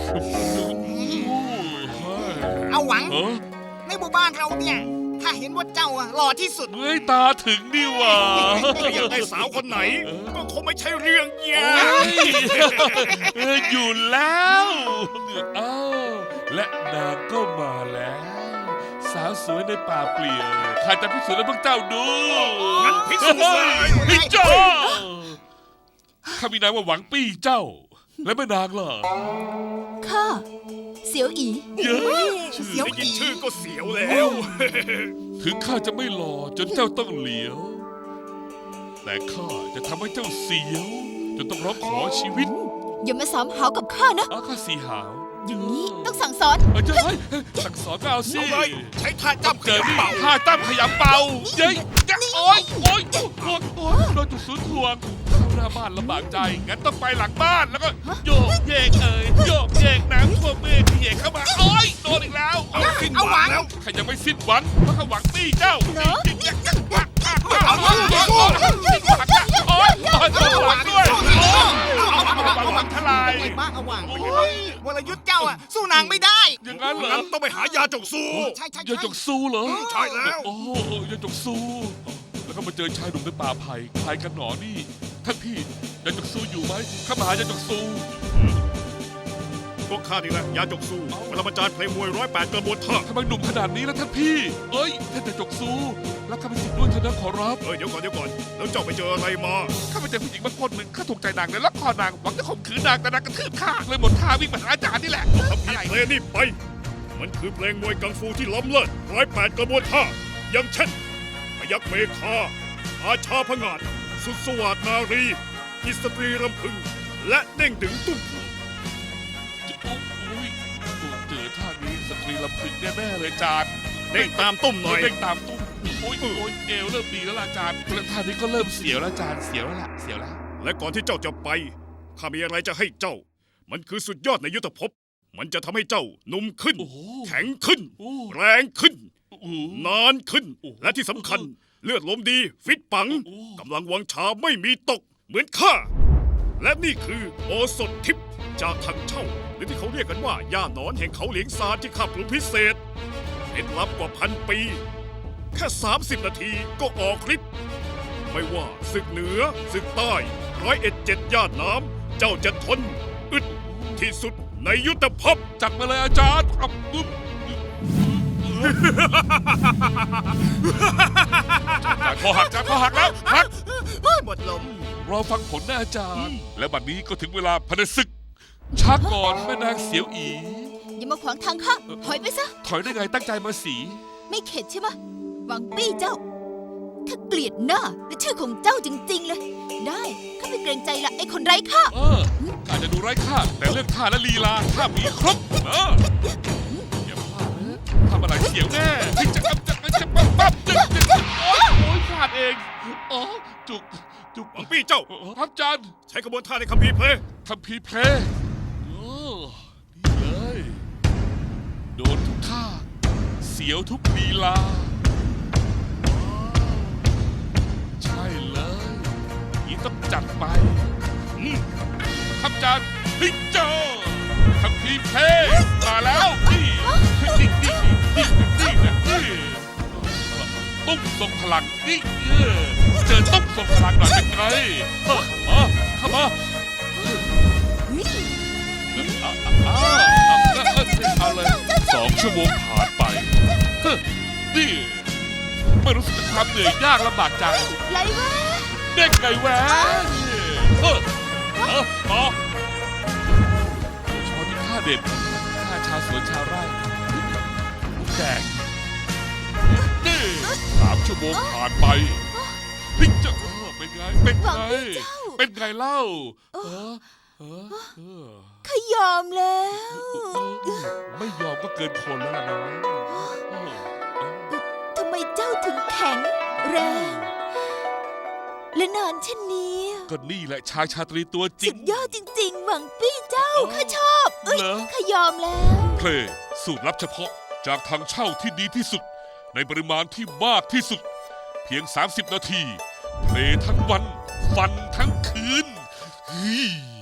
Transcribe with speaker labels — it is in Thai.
Speaker 1: เอาหวังในหมู่บ้านเราเนี่ยถ้าเห็นว่าเจ้าอะหล่อที่สุด
Speaker 2: เฮ้ยตาถึงนี่หว่า
Speaker 3: อยากได้สาวคนไหน ก็คงไม่ใช่เรื่องยาก
Speaker 2: อยู่แล้วเอ้าและนางก็มาแล้ว สาวสวยในป่าเปลี่ยวข้าจะพิสูจน์ให้พวกเจ้าดู
Speaker 3: งั้นพิสูจน์เลย
Speaker 2: พี่เจ้าข้ามีนามว่าหวังปี้เจ้า และแม่นางล่ะ
Speaker 4: ข้าเสียวอี
Speaker 2: เยอะ
Speaker 1: เสียว
Speaker 3: ได้ยิน
Speaker 1: อี
Speaker 3: ชื่อก็เสียวแล้ว
Speaker 2: ถึงข้าจะไม่หล่อจนเจ้าต้องเหลียว แต่ข้าจะทำให้เจ้าเสียวจนต้องร้องขอชีวิต
Speaker 4: อย่ามาสามหาวกับข้านะ
Speaker 2: ข้าสีหาว
Speaker 4: อย่างนี้ต้องสั่งสอน
Speaker 2: เจ้าสั่งสอนก็เอาสิ
Speaker 3: เอาเลยใช้ท่าจับข
Speaker 2: เจอ
Speaker 3: ยับ
Speaker 2: นี่
Speaker 3: เป่า
Speaker 2: ท่าตั้มขยำเป่าเย้ยโอ๊ยโอ๊ยโดนจุดศูนย์ถ่วงเข้าหน้าบ้านลำบากใจ งั้นต้องไปหลังบ้านแล้วก็โยกเยกโยกเยกน้ำท่วมเมฆเหยกเข้ามาโอ๊ยโดนอีกแล้ว
Speaker 3: เอาสิ้นหวังแล้ว
Speaker 2: ใครยังไม่สิ้นหวังเพราะข้าหวังปี้เจ้า
Speaker 4: เนอะ
Speaker 2: โอ๊ยหวังด้วยหวังทลาย
Speaker 1: ไอ้บ้าเอาหวังวรยุทธ์เจ้าอะสู้นางไม่ได้
Speaker 2: อย่างนั้นเหรอ
Speaker 3: งั้นต้องไปหายาจกซู
Speaker 1: ใช่ใช่
Speaker 2: ยาจกซูเหรอ
Speaker 3: ใช่แล้ว
Speaker 2: โอ้ยาจกซูแล้วก็มาเจอชายหนุ่มในป่าไผ่ใครกันหนอนี่ท่านพี่ยาจกซูอยู่ไหมข้ามาหายาจกซู
Speaker 3: ก็ข้านี่แหละยาจกซูปรมาจารย์เพลงมวย108กระบวนท่า
Speaker 2: ทำไมหนุ่มขนาดนี้แล้วท่านพี่ เอ้ยท่านยาจกซูแล้วข้าไปสิทธิ์ด้วยเถอะนะขอรับ
Speaker 3: เดี๋ยวก่อนแล้วเจ้าไปเจออะไรมา
Speaker 2: ข้าไปเจอผู้หญิงบางคนหนึ่งข้าถูกใจนางเลยล็อกคอนางหวังจะข่มขืนนางแต่นางกระทืบข้าเลยหมดท่าวิ่งมาหาอาจารย์นี่แหละ
Speaker 3: ทำพีเพลงนี่ไป มันคือเพลงมวยกังฟูที่ล้ำเลิศ108กระบวนท่าอย่างเช่นพยักเมฆาอาชาพงาดสุดสวัสดนารีอิสตรีรำพึง และเด้งดึงตุ้มพวง
Speaker 2: โอ้ยเจอท่านี้สตรีลำพึงแน่ๆเลยอาจารย์
Speaker 3: เด้งตามตุ้มหน่อย
Speaker 2: เด้งตามตุ้มโอ้ยเอวเริ่มดีแล้วล่ะอาจารย์แล้วท่านี้ก็เริ่มเสียวแล้วอาจารย์เสียวแล้วล่ะเสียวแล้ว
Speaker 3: และก่อนที่เจ้าจะไปข้ามีอะไรจะให้เจ้า มันคือสุดยอดในยุทธภพ มันจะทำให้เจ้าหนุ่มขึ้น
Speaker 2: โอ้โห
Speaker 3: แข็งขึ้น
Speaker 2: โอ้
Speaker 3: แรงขึ้น
Speaker 2: โอ้โห
Speaker 3: นานขึ้น
Speaker 2: โอ้โห
Speaker 3: และที่สำคัญเลือดลมดีฟิตปัง
Speaker 2: โอ้โห
Speaker 3: กำลังวังชาไม่มีตก เหมือนข้า และนี่คือโอสถทิพย์จากทางเช่า หรือที่เขาเรียกกันว่าย่าหนอนแห่งเขาเหลียงซานที่ข้าปรุงพิเศษเคล็ดลับกว่า1,000 ปี แค่ 30 นาทีก็ออกฤทธิ์ไม่ว่าศึกเหนือศึกใต้101 ย่านน้ำเจ้าจะทนอึดที่สุดในยุทธภพ
Speaker 2: จัดมาเลยอาจารย์ครับปุ๊บคอหักจ้าคอหักแล้วหัก
Speaker 1: หมดลม
Speaker 2: รอฟังผลนะอาจารย์ และบัดนี้ก็ถึงเวลาพนศึกช้าก่อนแม่นางเสียวอี
Speaker 4: อย่ามาขวางทางข้าถอยไปซะ
Speaker 2: ถอยได้ไงตั้งใจมาสี
Speaker 4: ไม่เข็ดใช่ไหมหวังปี้เจ้า ถ้าเกลียดหน้าและชื่อของเจ้าจริง ๆ เลย ได้ข้าไม่เกรงใจละไอ้คนไร้ค่า
Speaker 2: อาจจะดูไร้ค่าแต่เรื่องท่าและลีลาข้ามีครบอย่าพลาดนะทำอะไรเสียวแน่จะปั๊บโอ๊ยพลาดเองอ๋อจุก
Speaker 3: หวังปี้เจ้า
Speaker 2: ครับอาจารย์
Speaker 3: ใช้กระบวนท่าในคัมภีร์เพลง
Speaker 2: ทำพีเพลย์นี่เลย โดนทุกท่า เสียวทุกลีลาใช่เลยนี่ต้องจัดไปครับอาจารย์พิจอทำพีเพลย์มาแล้วนี่ตุ้มทรงพลังนี่เจอตุ้มทรงพลังหน่อยเป็นไงเข้ามาเอาเลย2 ชั่วโมงผ่านไปนี่ไม่รู้สึกถึงความเหนื่อยยากลำบากใจ
Speaker 4: ไรวะ
Speaker 2: เด็กไก่แหวนชอที่ข้าเด็ดข้าชาวสวนชาวไร่แดงนี่3 ชั่วโมงผ่านไปพิจารเป็นไงเป็นไงเล่า
Speaker 4: ข้ายอมแล้ว
Speaker 2: ไม่ยอมก็เกินคนแล้วล่ะนะ
Speaker 4: ทำไมเจ้าถึงแข็งแรงและนานเช่นนี้
Speaker 2: ก็นี่แหละชายชาตรีตัวจริ
Speaker 4: สุ
Speaker 2: ง
Speaker 4: ดยอดจริงๆ หวังปี้เจ้าข้าชอบ
Speaker 2: เหรอ
Speaker 4: ข้ายอมแล้ว
Speaker 2: เพลงสูตรลับเฉพาะจากทางเช่าที่ดีที่สุด ในปริมาณที่มากที่สุด เพียง 30 นาที เพลงทั้งวัน ฟันทั้งคืน